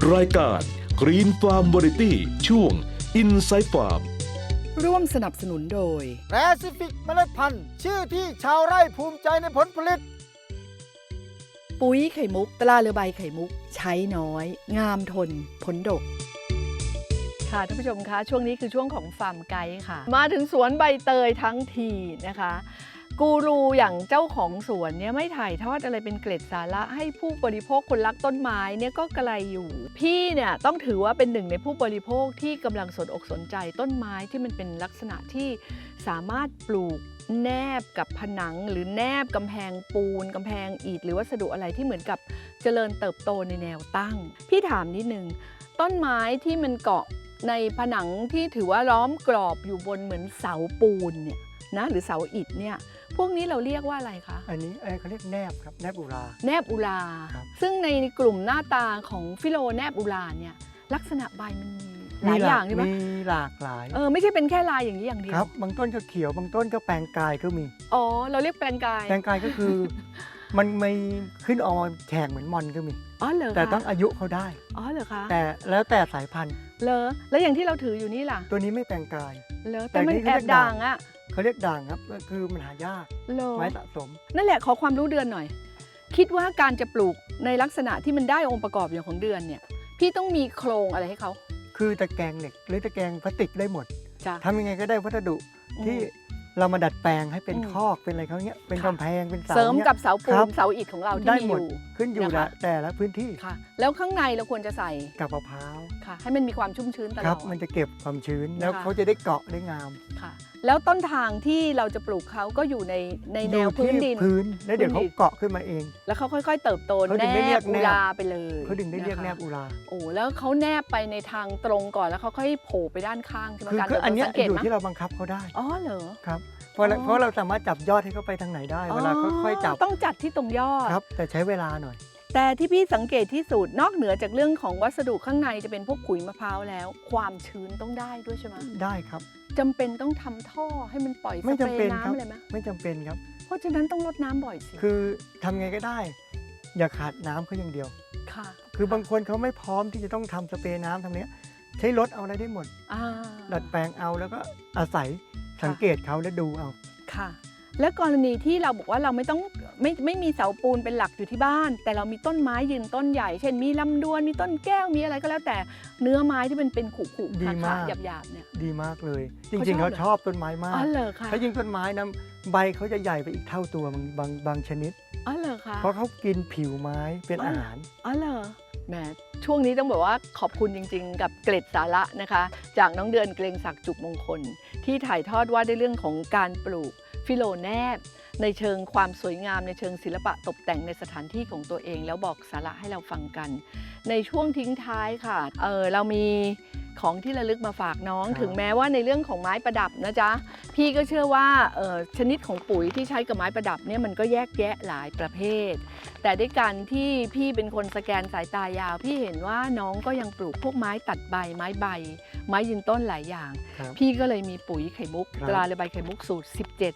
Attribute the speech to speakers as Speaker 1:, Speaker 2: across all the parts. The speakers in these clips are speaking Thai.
Speaker 1: รายการ Green Farm Variety ช่วง Inside Farm
Speaker 2: ร่วมสนับสนุนโดย
Speaker 3: แปซิฟิกเมล็ดพันธุ์ชื่อที่ชาวไร่ภูมิใจในผลผลิต
Speaker 2: ปุ๋ยไข่มุกตราเรือใบไข่มุกใช้น้อย งามทนผลดกค่ะท่านผู้ชมคะช่วงนี้คือช่วงของฟาร์มไกด์ค่ะมาถึงสวนใบเตยทั้งทีนะคะกูรูอย่างเจ้าของสวนเนี่ยไม่ถ่ายทอดอะไรเป็นเกร็ดสาระให้ผู้บริโภคคนรักต้นไม้เนี่ยก็กระไรอยู่พี่เนี่ยต้องถือว่าเป็นหนึ่งในผู้บริโภคที่กำลังสนอกสนใจต้นไม้ที่มันเป็นลักษณะที่สามารถปลูกแนบกับผนังหรือแนบกำแพงปูนกำแพงอิฐหรือวัสดุอะไรที่เหมือนกับเจริญเติบโตในแนวตั้งพี่ถามนิดนึงต้นไม้ที่มันเกาะในผนังที่ถือว่าล้อมกรอบอยู่บนเหมือนเสาปูนเนี่ยนะหรือเสาอิฐเนี่ยพวกนี้เราเรียกว่าอะไรคะ
Speaker 3: อันนี้เขาเรียกแนบครับแนบอุรา
Speaker 2: แนบอุราซึ่งในกลุ่มหน้าตาของฟิโลแนบอุราเนี่ยลักษณะใบมันมีหลายอย่างใช่ไหม
Speaker 3: มีหลากหลาย
Speaker 2: ไม่ใช่เป็นแค่ลายอย่างนี้อย่างเดียว
Speaker 3: ครับบางต้นก็เขียวบางต้นก็แปลงกายก็มี
Speaker 2: อ๋อเราเรียกแปลงกาย
Speaker 3: แปลงกายก็คือ มันไม่ขึ้นออกมาแฉกเหมือนมอนก็มี
Speaker 2: อ๋อเหรอ
Speaker 3: แต่ต้องอายุเขาได้
Speaker 2: อ๋อเหรอคะ
Speaker 3: แต่แล้วแต่สายพันธุ์
Speaker 2: เหรอแล้วอย่างที่เราถืออยู่นี่ล่ะ
Speaker 3: ตัวนี้ไม่แปลงกาย
Speaker 2: เหรอแต่มันแอบด่างอ่ะ
Speaker 3: เขาเรียกด่างครับก็คือมันหายากไม้สะสม
Speaker 2: นั่นแหละขอความรู้เดือนหน่อยคิดว่าการจะปลูกในลักษณะที่มันได้องค์ประกอบอย่างของเดือนเนี่ยพี่ต้องมีโครงอะไรให้เขา
Speaker 3: คือตะแกรงเหล็กหรือตะแกรงพลาสติกได้หมดทำยังไงก็ได้วัสดุที่เรามาดัดแปลงให้เป็นคอกเป็นอะไรเขาเนี้ยเป็นกำแพงเป็นเสา
Speaker 2: เสริมกับเสาปูนเสาอิฐของเราที่มีอยู่
Speaker 3: ขึ้นอยู่แต่ละพื้นที่
Speaker 2: ค่ะแล้วข้างในเราควรจะใส่
Speaker 3: กับมะพร้าว
Speaker 2: ค่ะให้มันมีความชุ่มชื้นตลอด
Speaker 3: มันจะเก็บความชื้นแล้วเขาจะได้เกาะได้งาม
Speaker 2: ค่ะแล้วต้นทางที่เราจะปลูกเขาก็อยู่ในแนวพื้นดิน
Speaker 3: แล้วเดี๋ยวเขาเกาะขึ้นมาเอง
Speaker 2: แล้วเขาค่อยๆเติบโตแนบอุราไปเลย
Speaker 3: เขาดึงได้เรียกแนบอุรา
Speaker 2: โอ้แล้วเขาแนบไปในทางตรงก่อนแล้วเขาค่อยโผล่ไปด้านข้างใช่ไหมการ
Speaker 3: คืออันนี้อยู่ที่เราบังคับเขาได้
Speaker 2: อ๋อเหรอ
Speaker 3: ครับเพราะเราสามารถจับยอดให้เขาไปทางไหนได้เวลาค่อยๆจับ
Speaker 2: ต้องจัดที่ตรงยอด
Speaker 3: ครับแต่ใช้เวลาหน่อย
Speaker 2: แต่ที่พี่สังเกตที่สุดนอกเหนือจากเรื่องของวัสดุข้างในจะเป็นพวกขุยมะพร้าวแล้วความชื้นต้องได้ด้วยใช่ไหม
Speaker 3: ได้ครับ
Speaker 2: จำเป็นต้องทำท่อให้มันปล่อยสเปรย์น้ำอะไรไหม
Speaker 3: ไม่จำเป็นครับ
Speaker 2: เพราะฉะนั้นต้องรดน้ำบ่อยสิ
Speaker 3: คือทำไงก็ได้อย่าขาดน้ำเขาอย่างเดียว
Speaker 2: ค่ะ
Speaker 3: คือบางคนเขาไม่พร้อมที่จะต้องทำสเปรย์น้ำทำเนี้ยใช้รถเอาอะไรได้หมดดัดแปลงเอาแล้วก็อาศัยสังเกตเขาและดูเอา
Speaker 2: ค่ะและกรณีที่เราบอกว่าเราไม่มีเสาปูนเป็นหลักอยู่ที่บ้านแต่เรามีต้นไม้ยืนต้นใหญ่เช่นมีลำดวนมีต้นแก้วมีอะไรก็แล้วแต่เนื้อไม้ที่มันเป็นขุขาหยาบๆเนี่ย
Speaker 3: ดีมากเลยจริงๆเขาชอบต้นไม้มาก
Speaker 2: อ๋อเหรอคะ
Speaker 3: ถ้ายิ่งต้นไม้นะใบเขาจะใหญ่ไปอีกเท่าตัวบางชนิด
Speaker 2: อ๋อเหรอคะ
Speaker 3: เพราะเขากินผิวไม้เป็นอาหาร
Speaker 2: อ๋อเหรอแหมช่วงนี้ต้องบอกว่าขอบคุณจริงๆกับเกร็ดสาระนะคะจากน้องเดือนเกรงศักดิ์จุกมงคลที่ถ่ายทอดว่าในเรื่องของการปลูกฟิโลแนบในเชิงความสวยงามในเชิงศิลปะตกแต่งในสถานที่ของตัวเองแล้วบอกสาระให้เราฟังกันในช่วงทิ้งท้ายค่ะเรามีของที่ระลึกมาฝากน้องถึงแม้ว่าในเรื่องของไม้ประดับนะจ๊ะพี่ก็เชื่อว่าชนิดของปุ๋ยที่ใช้กับไม้ประดับเนี่ยมันก็แยกแยะหลายประเภทแต่ด้วยการที่พี่เป็นคนสแกนสายตายาวพี่เห็นว่าน้องก็ยังปลูกพวกไม้ตัดใบไม้ใบไม้ยืนต้นหลายอย่างพี่ก็เลยมีปุ๋ยไข่มุกตราเรือใบไข่มุกสูตร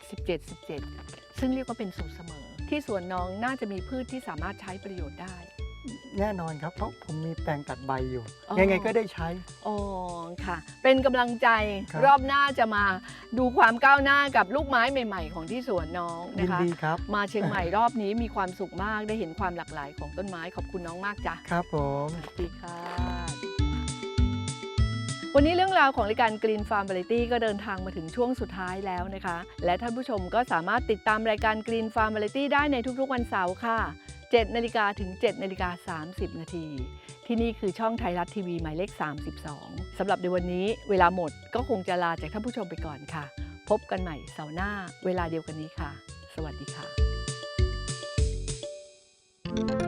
Speaker 2: 17 ซึ่งเรียกว่าเป็นสูตรเสมอที่สวนน้องน่าจะมีพืชที่สามารถใช้ประโยชน์ได้
Speaker 3: แน่นอนครับเพราะผมมีแปลงตัดใบอยู่ยังไงก็ได้ใช้
Speaker 2: อ๋อค่ะเป็นกำลังใจรอบหน้าจะมาดูความก้าวหน้ากับลูกไม้ใหม่ๆของที่สวนน้องนะคะ
Speaker 3: ดีครับ
Speaker 2: มาเชียงใหม่รอบนี้มีความสุขมากได้เห็นความหลากหลายของต้นไม้ขอบคุณน้องมากจ้ะ
Speaker 3: ครับผม
Speaker 2: สวัสดีค่ะวันนี้เรื่องราวของรายการ Green Farm Variety ก็เดินทางมาถึงช่วงสุดท้ายแล้วนะคะและท่านผู้ชมก็สามารถติดตามรายการ Green Farm Variety ได้ในทุกๆวันเสาร์ค่ะ7 นาฬิกาถึง 7 นาฬิกา 30 นาทีที่นี่คือช่องไทยรัฐทีวีหมายเลข 32 สำหรับในวันนี้เวลาหมดก็คงจะลาจากท่านผู้ชมไปก่อนค่ะพบกันใหม่เสาร์หน้าเวลาเดียวกันนี้ค่ะสวัสดีค่ะ